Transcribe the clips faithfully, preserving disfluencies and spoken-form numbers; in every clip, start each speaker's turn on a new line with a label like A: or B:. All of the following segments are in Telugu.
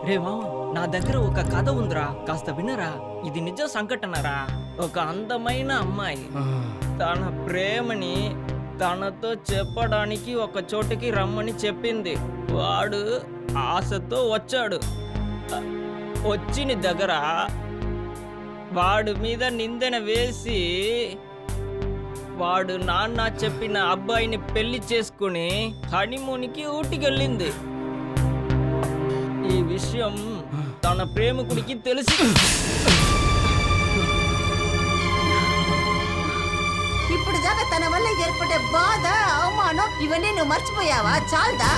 A: రే మామ, నా దగ్గర ఒక కథ ఉందిరా, కాస్త వినరా. ఇది నిజ సంఘటనరా. ఒక అందమైన అమ్మాయి తన ప్రేమని తనతో చెప్పడానికి ఒక చోటుకి రమ్మని చెప్పింది. వాడు ఆశతో వచ్చాడు. వచ్చిన దగ్గర వాడి మీద నిందన వేసి వాడు నాన్న చెప్పిన అబ్బాయిని పెళ్లి చేసుకుని హనీమూన్కి ఊటికెళ్ళింది. ఈ విషయం తన ప్రేమికుడికి తెలిసి
B: ఇప్పుడు దాకా తన వల్ల ఏర్పడే బాధ, అవమానం ఇవన్నీ నువ్వు మర్చిపోయావా? చాలదా?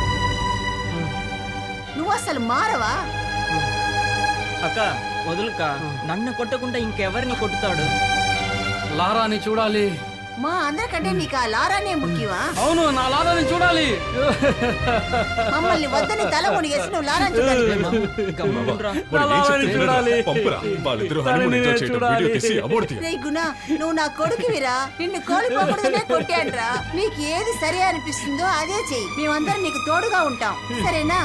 B: నువ్వు అసలు మారవా?
A: అక్క వదులుక, నన్ను కొట్టకుండా ఇంకెవరిని కొట్టుతాడు?
C: లారాని చూడాలి.
B: మా అందరికంటే నీకు ఆ లారానే ముఖ్యమా?
C: అవును, నా లారాని చూడాలి.
B: మమ్మల్ని వద్దని తల మునిగేసి నువ్వు లారాని చూడాలి. రే గుణ, నువ్వు నా కొడుకువిరా. నిన్ను కోల్పోకూడదనే కొట్టాడ్రా. నీకు ఏది సరి అనిపిస్తుందో అదే చెయ్యి. మేమందరం నీకు తోడుగా ఉంటాం, సరేనా?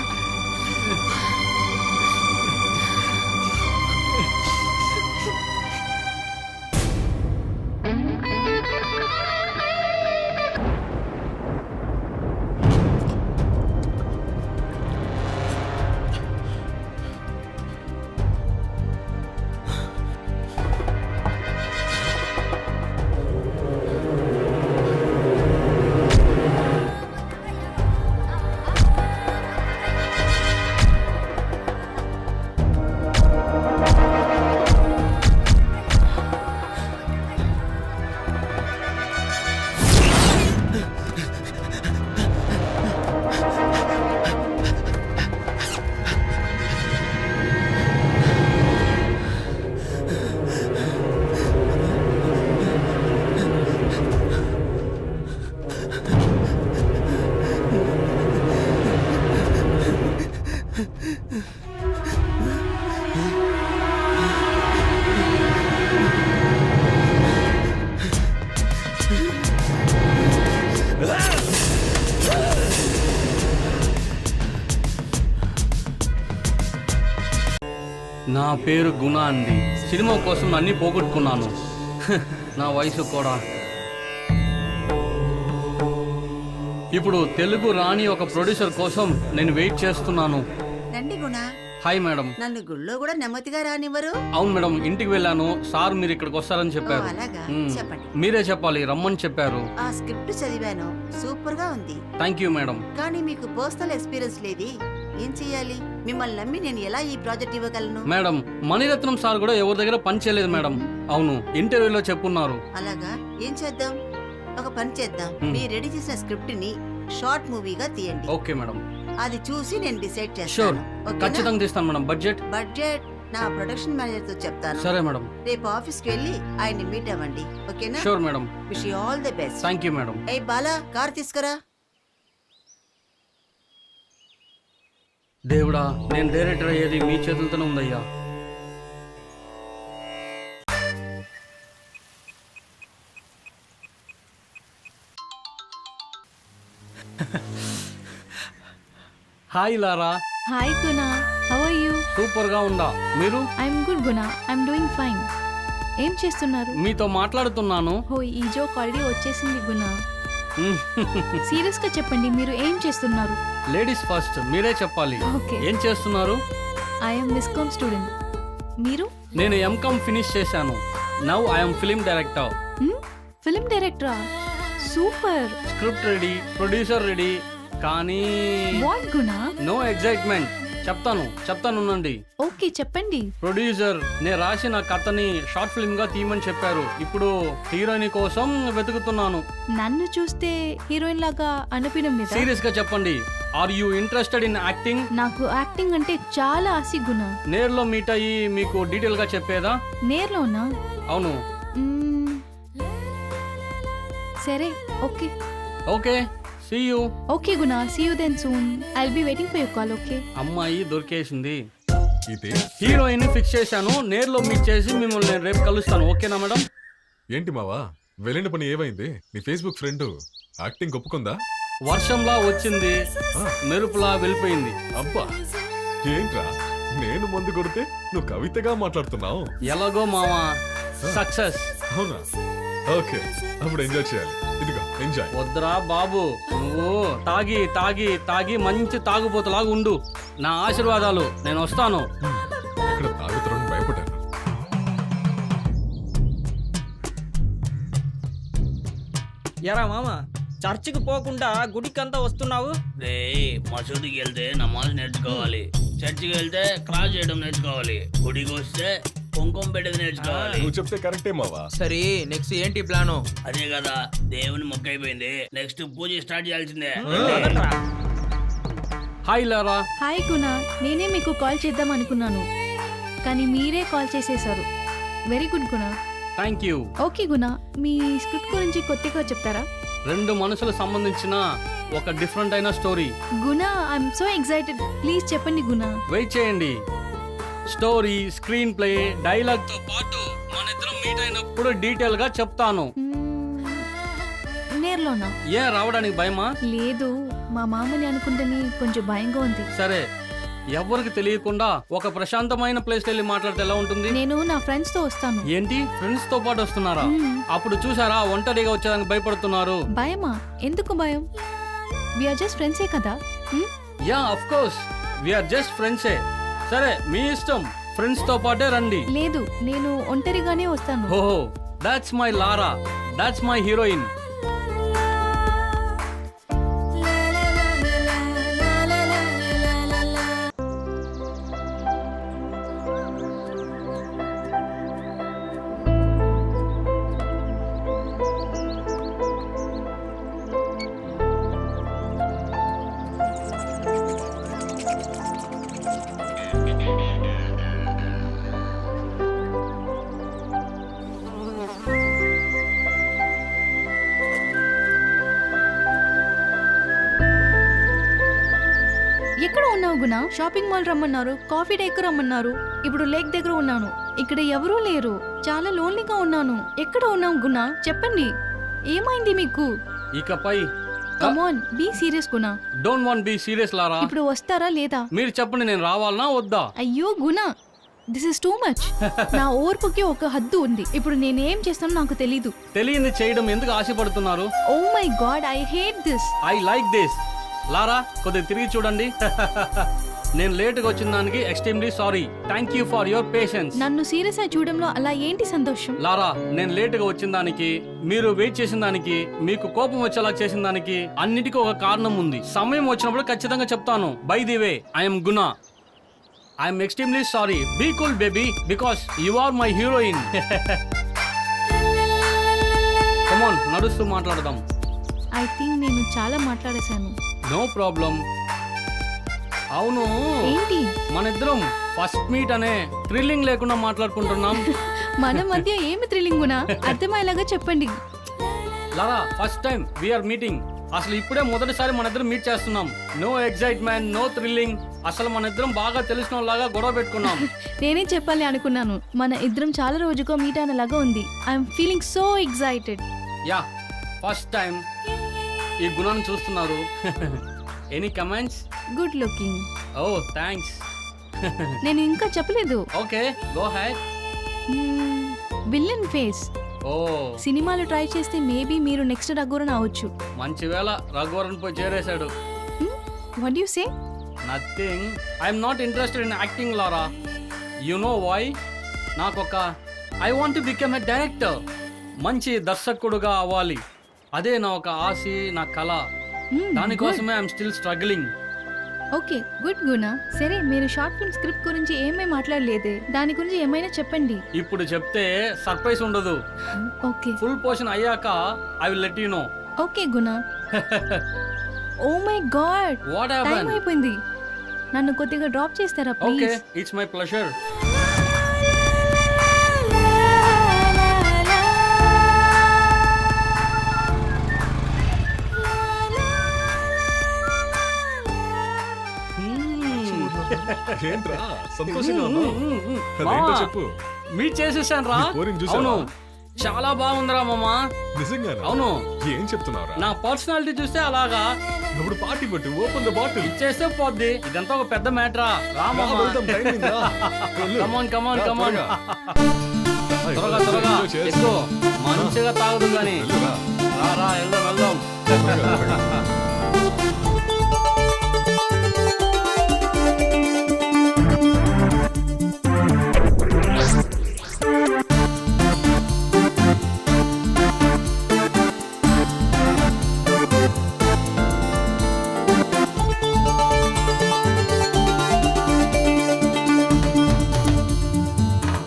C: నా పేరు గుణ అండి. సినిమా కోసం అన్ని పోగొట్టుకున్నాను. నా వయసు కూడా. ఇప్పుడు తెలుగు రాని ఒక ప్రొడ్యూసర్ కోసం నేను వెయిట్ చేస్తున్నాను.
B: రండి గుణ.
C: Hi madam.
B: నన్ను గుళ్ళో కూడా నెమ్మదిగా రానివ్వరు?
C: అవును మేడం, ఇంటికి వెళ్ళాను. సార్ మీరు ఇక్కడికి వస్తారని చెప్పారు.
B: అలాగా,
C: మ్మ్.
B: చెప్పండి.
C: మీరే చెప్పాలి, రమ్మని చెప్పారు.
B: ఆ స్క్రిప్ట్ చదివాను, సూపర్ గా ఉంది.
C: Thank you madam.
B: కానీ మీకు పర్సనల్ ఎక్స్పీరియన్స్ లేది. ఏం చెయ్యాలి? మిమ్మల్ని నమ్మి నేను ఎలా ఈ ప్రాజెక్ట్ ఇవ్వగలను?
C: మేడం, మణిరత్నం సార్ కూడా ఎవరి దగ్గర పని చేయలేదు మేడం. అవును, ఇంటర్వ్యూలో చెప్పున్నారు.
B: అలాగా, ఏం చేద్దాం? ఒక పని చేద్దాం.
C: మ్మ్.
B: మీరు రెడీ చేసిన స్క్రిప్ట్ ని షార్ట్ మూవీగా తీయండి.
C: Okay madam.
B: అది చూసి నేను డిసైడ్
C: షూర్,
B: చేస్తాను. ఓకేనా?
C: ఖచ్చితంగా తీస్తాను మేడం. బడ్జెట్
B: బడ్జెట్ నా ప్రొడక్షన్ మేనేజర్ తో చెప్తాను.
C: సరే మేడం.
B: రేపు ఆఫీస్ కి వెళ్ళి ఆయన్ని మీట్ అవ్వండి. ఓకేనా?
C: Sure madam.
B: Wish you all the best.
C: Thank you madam.
B: ఏ బాలా, కార్ తీసుకురా.
C: దేవుడా, నేను డైరెక్టర్ అయ్యేది మీ చేతులతోనే ఉందయ్యా. Hi Lara.
D: Hi Guna, how are you?
C: Super గా ఉందా? మీరు?
D: I'm good Guna, I'm doing fine. ఏం చేస్తున్నారు?
C: మీతో మాట్లాడుతున్నాను.
D: హో, ఈ జోక్ ఆల్రెడీ వచ్చేసింది గుణ. సీరియస్ గా చెప్పండి, మీరు ఏం చేస్తున్నారు?
C: లేడీస్ ఫస్ట్, మీరే చెప్పాలి.
D: ఓకే.
C: ఏం చేస్తున్నారు?
D: I'm viscom student. మీరు?
C: నేను ఎంకామ్ ఫినిష్ చేశాను. Now I'm film director.
D: Film డైరెక్టరా? Super.
C: Script ready, producer ready, కానీ
D: వాట్ గుణ?
C: No excitement. చెప్తాను చెప్తాను ఉండండి.
D: ఓకే, చెప్పండి.
C: ప్రొడ్యూసర్ నేను రాసిన కథని షార్ట్ ఫిల్మ్ గా తీయమని చెప్పారు. ఇప్పుడు హీరోయిన్ కోసం వెతుకుతున్నాను.
D: నన్ను చూస్తే హీరోయిన్ లాగా అనిపించడం లేదా?
C: సీరియస్ గా చెప్పండి, are you interested in acting?
D: నాకు యాక్టింగ్ అంటే చాలా ఆసి గుణ.
C: నేర్లో మీట్ అయ్యి మీకు డీటెయిల్ గా చెప్పేదా?
D: నేర్లోనా?
C: అవును.
D: మ్మ్. సరే, okay.
C: Okay, see you.
D: Okay Guna, see you then soon. I'll be waiting for your call. Okay.
C: అమ్మాయి దొరికేసింది. హీరోయిన్ ఫిక్స్ చేశాను. నేర్లో మీట్ చేసి మిమ్మల్ని నేను రేపు కలుస్తాను. ఓకేనా మేడం?
E: ఏంటి మావా, వెళ్ళిన పని ఏమైంది? నీ ఫేస్బుక్ ఫ్రెండ్ యాక్టింగ్ ఒప్పుకుందా?
C: వర్షంలా వచ్చింది, మెరుపులా వెళ్ళిపోయింది.
E: అబ్బా, ఏంట్రా నేను మందు కొడితే నువ్వు కవితగా మాట్లాడుతున్నావు?
C: ఎలాగో మావా సక్సెస్.
E: అవునా? ఓకే, అప్పుడు ఎంజాయ్ చేయాలి. ఇదిగో ఎంజాయ్.
C: వద్దురా బాబు, నువ్వు తాగి తాగి తాగి మంచి తాగుబోతులాగా ఉండు. నా ఆశీర్వాదాలు. నేను వస్తాను.
E: ఇక్కడ తాగుతారని భయపడ్డాను.
A: ఎరా మామ, చర్చికి పోకుండా గుడికంతా వస్తున్నావు?
F: రే మసూదికి వెళ్తే నమాజ్ నేర్చుకోవాలి, చర్చికి వెళ్తే క్రాస్ చేయడం నేర్చుకోవాలి, గుడికి వస్తే కుంకుమ పెట్టేది నేర్చుకోవాలి.
E: నువ్వు చెప్తే కరెక్టే మావా.
G: సరే నెక్స్ట్ ఏంటి ప్లాను?
F: అదే కదా, దేవుని మొక్క అయిపోయింది, నెక్స్ట్ పూజ స్టార్ట్ చేయాల్సిందే.
A: పదండ్రా.
C: Hi Lara.
D: హాయ్ గుణ, నేనే మీకు కాల్ చేద్దాం అనుకున్నాను కానీ మీరే కాల్ చేసేశారు. Very good Guna.
C: Thank you.
D: Okay Guna, మీ స్క్రిప్ట్ గురించి కొద్దిగా చెప్తారా?
C: రెండు మనసులకు సంబంధించిన ఒక డిఫరెంట్ అయిన స్టోరీ.
D: గుణ, ఐఎమ్ సో ఎక్సైటెడ్. ప్లీజ్ చెప్పండి గుణ.
C: వెయిట్ చేయండి. స్టోరీ, స్క్రీన్ ప్లే, డైలాగ్ తో పాటు మన ఇద్దరం మీట్ అయినప్పుడు డీటెయిల్ గా చెప్తాను.
D: మ్మ్, నేర్లోనా?
C: ఏ రావడానికి భయమా?
D: లేదు, మా మామని అనుకుంటేనే కొంచెం భయంగా ఉంది.
C: సరే, ఎవరికి తెలియకుండా ఒక ప్రశాంతమైన ప్లేస్ వెళ్ళి మాట్లాడితే ఎలా ఉంటుంది?
D: నేను నా ఫ్రెండ్స్ తో వస్తాను.
C: ఏంటి, ఫ్రెండ్స్ తో పాటు వస్తున్నారా?
D: మ్మ్.
C: అప్పుడు చూసారా ఒంటరిగా వచ్చేదానికి భయపడుతున్నారు.
D: భయమా? ఎందుకు భయం? విఆర్ జస్ట్ ఫ్రెండ్సే కదా. మ్మ్?
C: Yeah of course, we're just ఫ్రెండ్సే. సరే మీ ఇష్టం, ఫ్రెండ్స్ తో పాటే రండి.
D: లేదు, నేను ఒంటరిగానే వస్తాను.
C: ఓహో, that's my Lara, that's my heroine.
D: ఎక్కడ ఉన్నావు గుణ? షాపింగ్ మాల్ రమ్మన్నారు, కాఫీ డేకు రమ్మన్నారు, ఇప్పుడు లేక్ దగ్గర ఉన్నాను. ఇక్కడ ఎవరూ లేరు, చాలా లోన్లీగా ఉన్నాను. ఎక్కడ ఉన్నావు గుణ? చెప్పండి, ఏమైంది మీకు?
C: ఇకపై
D: come on, be serious Guna.
C: Don't want be serious Lara.
D: ఇప్పుడు వస్తారా లేదా?
C: మీరు చెప్పండి, నేను రావాలనా వద్దా?
D: అయ్యో గుణ, దిస్ ఇస్ టూ మచ్. నా ఓర్పుకి ఒక హద్దు ఉంది. ఇప్పుడు నేనేం చేస్తానో నాకు తెలీదు.
C: తెలియంది చేయడం ఎందుకు ఆశపడుతున్నారు?
D: Oh my god, I hate this.
C: I like this. Lara, కొద్దిగా తిరిగి చూడండి. నేను లేటుగా వచ్చిన దానికి extremely sorry. Thank you for your patience.
D: నన్ను సీరియస్ గా చూడంలో అలా ఏంటి సంతోషం?
C: లారా, నేను లేటుగా వచ్చిన దానికి, మీరు వెయిట్ చేసిన దానికి, మీకు కోపం వచ్చేలా చేసిన దానికి అన్నిటికీ ఒక కారణం ఉంది. సమయం వచ్చినప్పుడు ఖచ్చితంగా చెప్తాను. By the way, I'm Guna. I'm extremely sorry. Be cool baby, because you are my heroine. Come on, నడుస్తూ మాట్లాడదాం.
D: ఐ థింక్ నేను చాలా మాట్లాడేశాను.
C: No problem. అవును,
D: ఏంటి?
C: మన ఇద్దరం ఫస్ట్ మీట్ అనే థ్రిల్లింగ్ లేకుండా మాట్లాడుకుంటున్నాం.
D: మన మధ్య ఏమి థ్రిల్లింగ్ గునా? అర్థమయ్యేలాగా చెప్పండి.
C: Lara, first time we're meeting. అసలు ఇప్పుడే మొదటిసారి మన ఇద్దరం మీట్ చేస్తున్నాం. No excitement, no thrilling. అసలు మన ఇద్దరం బాగా తెలిసిన లాగా గొడవ పెట్టుకున్నాం.
D: నేనే చెప్పాలి అనుకున్నాను. మన ఇద్దరం చాలా రోజుకో మీట్ అయినలాగా ఉంది. I'm feeling so excited.
C: Yeah, first time ఈ గుణాన్ని చూస్తున్నారు. Any comments?
D: Good looking.
C: Oh thanks.
D: నేను ఇంకా చెప్పలేదు.
C: Okay, go head.
D: Villain face.
C: ఓ,
D: సినిమాలు ట్రై చేస్తే మేబీ మీరు నెక్స్ట్ రఘువరన్ అవ్వచ్చు.
C: మంచి వేళ రఘువరన్ పోయి చేరేశాడు.
D: What you say?
C: Nothing. I'm not interested in acting Lara. You know why? నాకొక I want to become a director. మంచి దర్శకుడుగా అవ్వాలి. అదే నా ఒక ఆశ, నా కళ. దానికోసమే I'm still struggling.
D: Okay, good Guna. సరే, మీరు షార్ట్ ఫిల్మ్ స్క్రిప్ట్ గురించి ఏమీ మాట్లాడలేదే, దాని గురించి ఏమైనా చెప్పండి.
C: ఇప్పుడు చెప్తే సర్ప్రైజ్ ఉండదు.
D: ఓకే,
C: ఫుల్ పోర్షన్ అయ్యాక I will let you know.
D: Okay Guna. Oh my god,
C: what
D: time
C: happen?
D: అయిపోయింది. నన్ను కొద్దిగా డ్రాప్ చేస్తారా
C: okay,
D: please?
C: It's my pleasure.
E: ఏంట్రా సంతోషంగా ఉన్నావు? అదేంటో చెప్పు.
C: మీట్ చేసేసాను రా.
E: నీ కోరిని చూసావా?
C: అవును, చాలా బాగుందిరా మామా.
E: నిజంగానా?
C: అవును,
E: ఏం చెప్తున్నావురా?
C: నా పర్సనాలిటీ చూస్తే అలాగా.
E: ఇప్పుడు పార్టీ పెట్టు, ఓపెన్ ద బాటిల్.
C: ఇచ్చేస్తే పోద్ది. ఇదంతా ఒక పెద్ద మ్యాటరా. రా మామా. కమాన్ కమాన్ కమాన్. త్వరగా త్వరగా ఎక్కువ మంచిగా తాగుదు గాని. రా రా వెళ్దాం వెళ్దాం.